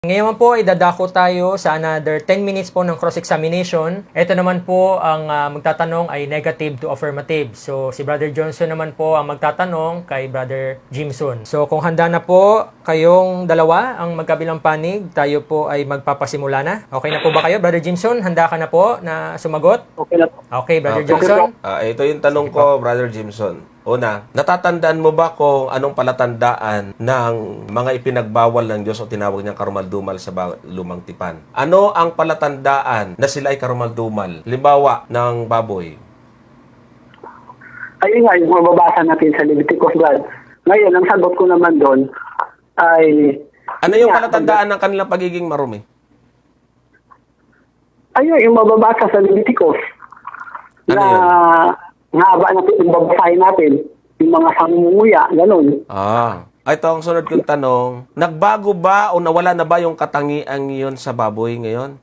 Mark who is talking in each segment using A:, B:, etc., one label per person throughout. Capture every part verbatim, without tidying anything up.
A: Ngayon po ay dadako tayo sa another ten minutes po ng cross-examination. Ito naman po ang uh, magtatanong ay negative to affirmative. So si Brother Johnson naman po ang magtatanong kay Brother Jimson. So kung handa na po kayong dalawa ang magkabilang panig, tayo po ay magpapasimula na. Okay na po ba kayo, Brother Jimson? Handa ka na po na sumagot?
B: Okay na po.
A: Okay, Brother
B: Okay
A: Johnson.
B: po.
C: Ah, ito yung tanong ko, Brother Jimson. Una, natatandaan mo ba kung anong palatandaan ng mga ipinagbawal ng Diyos o tinawag niyang karumaldumal sa ba- lumang tipan? Ano ang palatandaan na sila ay karumaldumal? Limbawa ng baboy.
B: Ayun nga, yung mababasa natin sa Leviticus God. Ngayon, ang sagot ko naman doon ay...
C: Ano yung palatandaan ng kanilang pagiging marumi?
B: Ayun, yung mababasa sa Leviticus.
C: Ano
B: na
C: yun?
B: nga ba natin, yung babasahin natin, yung mga sangunguya, ganun.
C: Ah, ito ang sunod kong tanong. Nagbago ba o nawala na ba yung katangian yun sa baboy ngayon?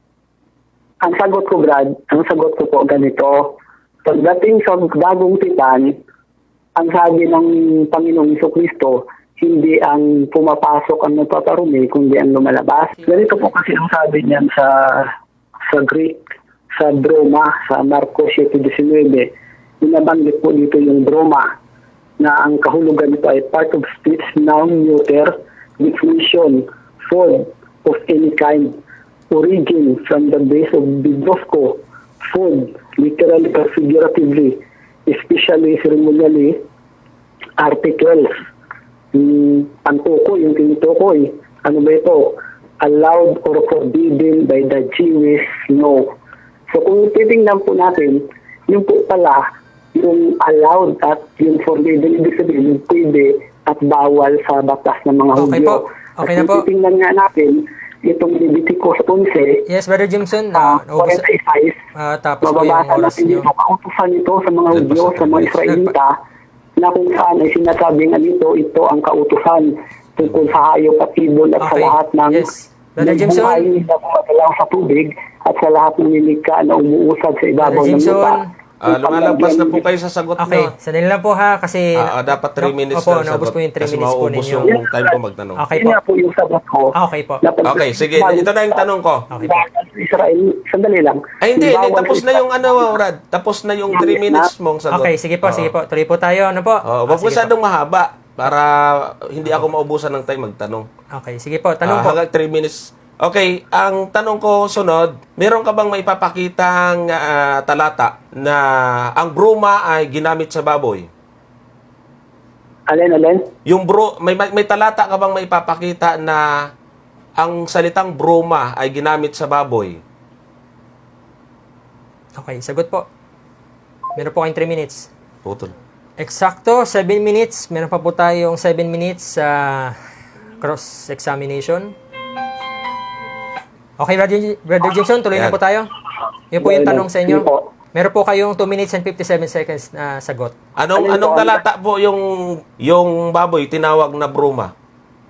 B: Ang sagot ko, Brad, ang sagot ko po ganito. Pagdating sa bagong tipan, ang sabi ng Panginoong Jesucristo, hindi ang pumapasok ang nagpaparumi, kundi ang lumalabas. Ganito po kasi ang sabi niyan sa sa Greek, sa broma, sa Marcos seven nineteen. Binabanggit po dito yung broma na ang kahulugan nito ay part of speech, noun, neuter, definition, form of any kind, origin from the base of bidosco, food, literally or figuratively, especially ceremonially, articles, yung pantukoy, yung tinutukoy, ano ba ito? Allowed or forbidden by the Jewish law. So kung titingnan po natin, yung po pala, yung allowed at yung forbidden, ibig sabihin, yung pwede at bawal sa batas ng mga
A: Okay
B: Hudyo.
A: po. Okay
B: at
A: na po.
B: kung titingnan nga natin, itong Leviticus eleven,
A: Yes, Brother Jimson.
B: uh,
A: Uh, naubos,
B: forty-five,
A: uh, tapos po yung
B: mababasa
A: oras
B: natin
A: nyo.
B: dito, kautusan ito sa mga
C: Nagpasa
B: Hudyo, sa mga
C: tayo.
B: Israelita, na kung saan ay sinasabi nga dito, ito ang kautusan tungkol sa hayop at ibon at sa
A: Okay.
B: lahat ng
A: Yes. Brother
B: ng
A: Jimson.
B: buhay na gumagalaw sa tubig at sa lahat ng nilikha na umuusad sa ibabaw
A: Brother
B: ng lupa.
A: Jimson.
C: Ah, lumalagpas na po kayo sa sagot
A: Okay,
C: nyo.
A: sandali lang po ha, kasi...
C: Ah, ah, dapat three
A: No,
C: minutes
A: Opo,
C: na
A: naubos
C: sagot.
A: po yung three
C: Kasi
A: minutes po
C: mauubos
A: ninyo.
C: yung time ko magtanong.
A: Okay
B: Yun
A: po.
B: nga po yung sagot ko.
A: Ah, okay po.
B: Na pag-
C: Okay, sige. Ito na yung tanong ko.
A: Okay po.
B: Bawal sa Israel, sandali lang.
C: Ay, hindi. hindi.
B: Bawal
C: Tapos
B: sa
C: na yung ano, Rad. Tapos na yung three
B: Yes,
C: minutes
B: na.
C: mong sagot.
A: Okay, sige po,
C: Oo.
A: sige po. Tuloy po tayo, ano po?
C: Oh,
A: Ah,
C: wag
A: sige
C: masyadong mahaba para hindi ako maubusan ng time magtanong.
A: po. Okay, sige po. Tanong
C: Ah,
A: po.
C: hanggang three minutes. Okay, ang tanong ko sunod, meron ka bang maipapakitang ah, talata na ang bruma ay ginamit sa baboy?
B: Alin, alin?
C: Yung bro, may, may may talata ka bang maipapakita na ang salitang bruma ay ginamit sa baboy?
A: Okay, sagot po. Meron po kayong three minutes.
C: Putol.
A: Eksakto, seven minutes. Meron pa po tayong seven minutes sa cross-examination. Okay, Brother, Brother Jimson, tuloy na
C: Yan.
A: po tayo. Yun po yung tanong sa inyo.
B: Sige po.
A: Meron po kayong two minutes and fifty-seven seconds na sagot.
C: Anong
B: Ano
C: anong
B: ito?
C: talata po yung yung baboy tinawag na bruma?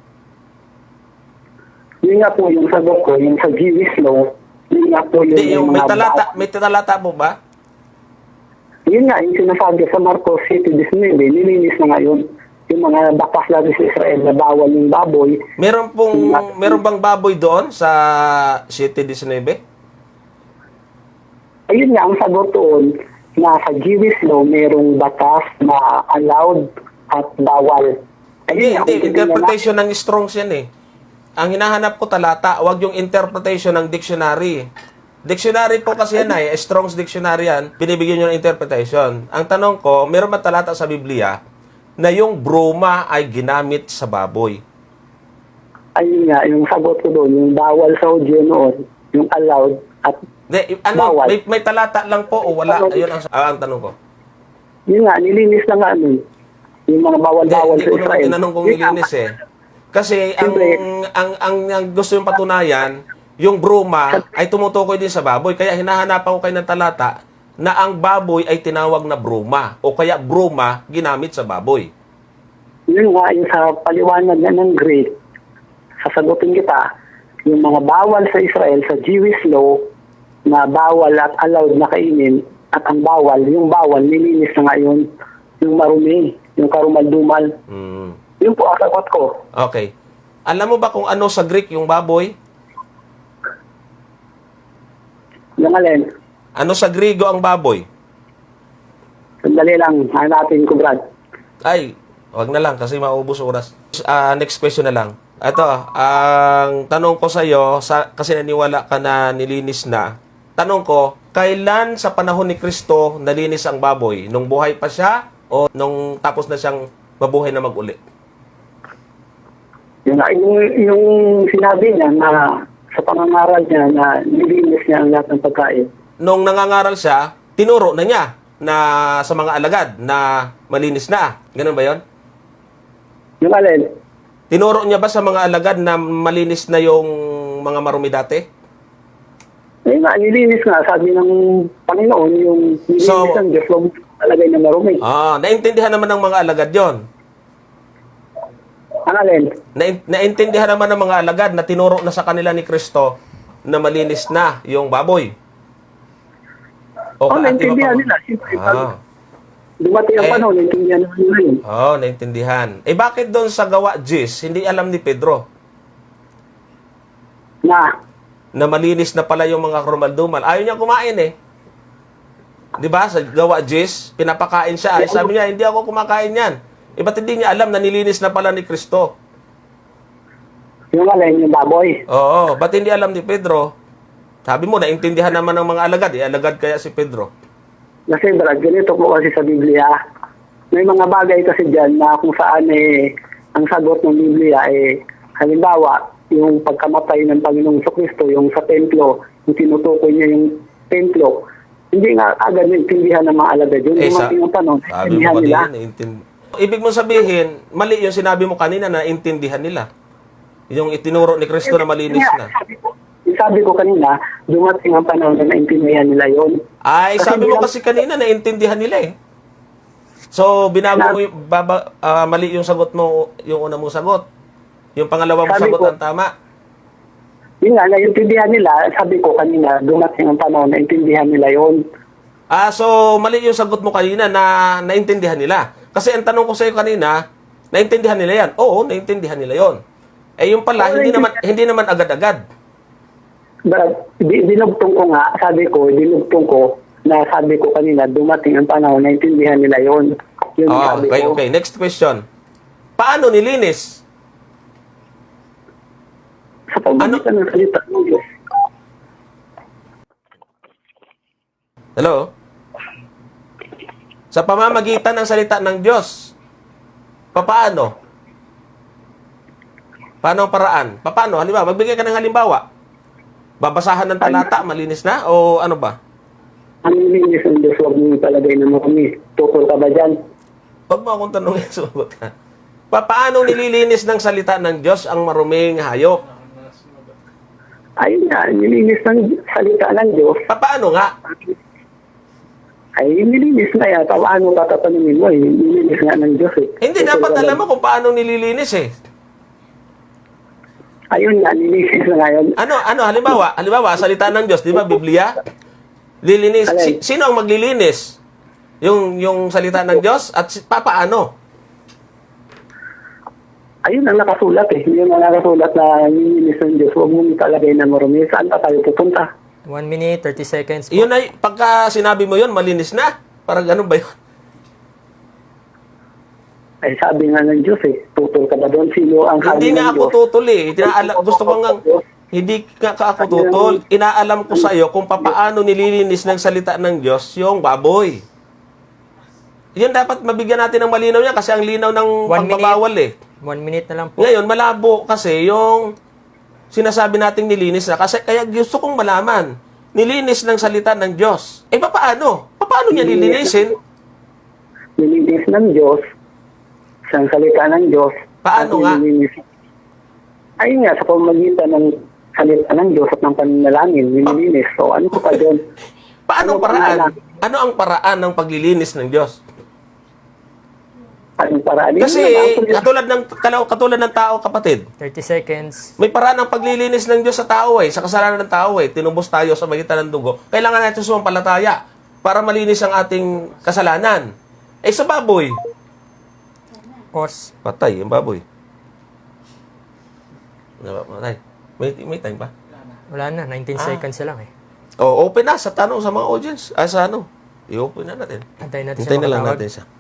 B: Yun nga po yung sagot ko, yung sa Jewish law, yun nga po yung,
C: Hindi, yung may
B: mga
C: talata,
B: ba-
C: may talata po ba?
B: Yun nga, yung sinasabi sa Marcos seven nineteen, nilinis na ngayon yung mga bakas lagi sa Israel na bawal yung baboy.
C: Meron pong meron bang baboy doon sa seven nineteen?
B: Ayun nga, ang sagot doon, na sa Jewish law, merong batas na allowed at bawal.
C: Hindi,
B: nga,
C: hindi.
B: kung titingnan
C: Interpretation ng Strong's yan eh. Ang hinahanap ko talata, wag yung interpretation ng dictionary. Dictionary po kasi yan ay, Strong's Dictionary yan, binibigyan nyo ng interpretation. Ang tanong ko, meron ba talata sa Biblia na yung bruma ay ginamit sa baboy?
B: ayun nga, yung sagot ko doon, yung bawal sa Hudyo noon, yung allowed at
C: Hindi, ano,
B: Bawal.
C: may, may talata lang po o wala? Ayun ang, ah, ang tanong ko.
B: yun nga, nilinis na nga ano, yung mga
C: Hindi,
B: bawal-bawal
C: hindi
B: sa
C: ko naman
B: Israel.
C: tinanong kung
B: Yun nga,
C: nilinis eh. Kasi ang,
B: Siyempre.
C: ang, ang, ang gusto yung patunayan, yung bruma ay tumutukoy din sa baboy. Kaya hinahanapan ko kayo ng talata na ang baboy ay tinawag na bruma. O kaya bruma ginamit sa baboy.
B: Yun nga, yung sa paliwanag na ng Greek, sasagutin kita, yung mga bawal sa Israel, sa Jewish law, na bawal at allowed na kainin, at ang bawal, yung bawal, nilinis na ngayon, yung marumi, yung karumal-dumal.
C: Hmm.
B: Yun po ang sagot ko.
C: Okay. Alam mo ba kung ano sa Greek yung baboy?
B: Yung alin,
C: Ano sa Griego ang baboy?
B: sandali lang, hanapin ko, Brad.
C: Ay, wag na lang kasi maubos oras. Ah, next question na lang. Ito, ang tanong ko sa iyo, sa, kasi naniwala ka na nilinis na. Tanong ko, kailan sa panahon ni Kristo nalinis ang baboy? Nung buhay pa siya o nung tapos na siyang mabuhay na mag-uli?
B: Yung, yung, yung sinabi niya na sa pangangaral niya na nilinis niya ang lahat ng pagkain.
C: Nung nangangaral siya, tinuro na niya na sa mga alagad na malinis na. Ganun ba yon?
B: Yung alin,
C: Tinuro niya ba sa mga alagad na malinis na yung mga marumi dati?
B: ayun nga, nilinis nga, sabi ng Panginoon, yung nilinis
C: So-
B: ng Diyos, huwag talagay na marumi.
C: Ah, naintindihan naman ng mga alagad yon.
B: Ang alin,
C: Nain- naintindihan naman ng mga alagad na tinuro na sa kanila ni Kristo na malinis na yung baboy.
B: oh,
C: ka- di ba
B: naintindihan
C: pa-
B: nila. Siyempre,
C: Ah.
B: pag dumating ang
C: Eh,
B: panahon, naintindihan naman nila yun.
C: Oh, naintindihan. Eh bakit doon sa gawa Gis, hindi alam ni Pedro
B: Na,
C: na malinis na pala yung mga krumaldumal? Ayaw niya kumain eh. 'Di ba? Sa gawa Gis, pinapakain siya. Ay, sabi niya, hindi ako kumakain yan. Eh ba't hindi niya alam na nilinis na pala ni Kristo?
B: yung alin, yung baboy.
C: Oo, ba't hindi alam ni Pedro? Sabi mo, naintindihan naman ng mga alagad. Eh, alagad kaya si Pedro.
B: Kasi Brad, ganito po kasi sa Biblia. May mga bagay kasi dyan na kung saan eh, ang sagot ng Biblia eh, halimbawa, yung pagkamatay ng Panginoong Kristo, yung sa templo, yung tinutukoy niya yung templo, hindi nga agad naintindihan ng mga alagad yun.
C: Eh,
B: Yung
C: sa-
B: mga yung tanong,
C: Sabi mo
B: naintindihan nila.
C: kanina, naintin- Ibig mo sabihin, mali yung sinabi mo kanina na intindihan nila. Yung itinuro ni Kristo na malinis
B: Kaya,
C: na.
B: Sabi ko, sabi ko kanina, dumating ang panahon na naintindihan nila yon.
C: Ay,
B: Kasi
C: sabi mo
B: bilang-
C: kasi kanina naintindihan nila eh. So, binago mo yung, baba, ah, mali yung sagot mo, yung una mong sagot. Yung pangalawa mong
B: Sabi
C: sagot
B: ko-
C: ang tama.
B: Yun nga, naintindihan nila, sabi ko kanina, dumating ang panahon, naintindihan nila yon.
C: Ah, so mali yung sagot mo kanina na naintindihan nila. Kasi ang tanong ko sa iyo kanina, naintindihan nila yan. Oo, naintindihan nila yon. Eh yung pala,
B: Oo,
C: hindi naman
B: naintindihan.
C: hindi naman agad-agad.
B: But, di- dinugtong ko nga, sabi ko, dinugtong ko, na sabi ko kanina, dumating ang panahon, naintindihan nila yon. Yun ang
C: Ah,
B: sabi
C: okay,
B: ko.
C: okay. Next question. Paano nilinis?
B: Sa pamamagitan ng salita ng Diyos.
C: Hello? Sa pamamagitan ng salita ng Diyos. Papaano? Paano ang paraan? Paano? Halimbawa, magbigay ka ng halimbawa. Babasahan ng talata, malinis na? O ano ba?
B: Ang nilinis ng Diyos, huwag mo palagay na marumi. Tukol ka ba dyan?
C: Huwag mo akong tanongin, sumagot ka. Pa- Paano nililinis ng salita ng Diyos ang maruming hayop?
B: Ayun nga, nilinis ng salita ng Diyos.
C: Pa- Paano nga?
B: Ay, nilinis na yan. Paano tatatanungin mo? Eh? Nilinis nga ng Diyos eh.
C: Hindi,
B: Tukol
C: dapat
B: ka ba-
C: alam mo kung paano nililinis eh.
B: Ayun nga, nilinis na nga yun.
C: Ano, ano, halimbawa, halimbawa, salita ng Diyos, di ba, Biblia? Lilinis.
B: Alay.
C: Si- sino ang maglilinis? Yung, yung salita ng Diyos? At si, papaano?
B: Ayun ang nakasulat eh. Yun ang nakasulat na nilinis ng Diyos. Huwag mo italagay na marumi. Saan pa tayo pupunta?
A: one minute, thirty seconds po.
C: Yun ay, pagka sinabi mo yun, malinis na. Parang ganun ba yun?
B: Ay, sabi nga ng Diyos eh. Tutol ka ba doon? Sino ang sabi
C: Hindi
B: ng
C: nga ako
B: Diyos?
C: tutol eh. Tinaalam, gusto ko nga, hindi nga ka ako tutol. Inaalam ko sa iyo kung papaano nililinis ng salita ng Diyos yung baboy. Yun dapat mabigyan natin ng malinaw yan kasi ang linaw ng
A: One
C: pagbabawal eh.
A: One minute na lang po.
C: Ngayon, malabo kasi yung sinasabi nating nilinis na. Kasi kaya gusto kong malaman, nilinis ng salita ng Diyos. Eh, papaano? Paano niya nilinisin?
B: Nilinis ng Diyos. Sa salita ng Diyos.
C: Paano
B: at
C: nga?
B: nilinis. Ayun nga, sa pamagitan ng salita ng Diyos at ng pananalangin, nililinis. So, ano ko pa doon?
C: Paano ang
B: Ano ba
C: paraan?
B: ang-
C: Ano ang paraan ng paglilinis ng Diyos?
B: Anong paraan? Yun
C: Kasi
B: lang, actually,
C: katulad ng kalaw- katulad ng tao, kapatid.
A: thirty seconds.
C: May paraan ng paglilinis ng Diyos sa tao eh, sa kasalanan ng tao eh. Tinubos tayo sa magitan ng dugo. Kailangan natin sumampalataya para malinis ang ating kasalanan. Eh sa baboy,
A: Pause.
C: patay yung baboy. Tay, may, may time ba?
A: Wala na, nineteen
C: Ah.
A: seconds na lang eh.
C: Oh, open na sa tanong sa mga audience. Ah, sa ano? I-open na natin.
A: Antayin natin
C: Hintayin
A: siya
C: na lang
A: makatawag.
C: natin siya.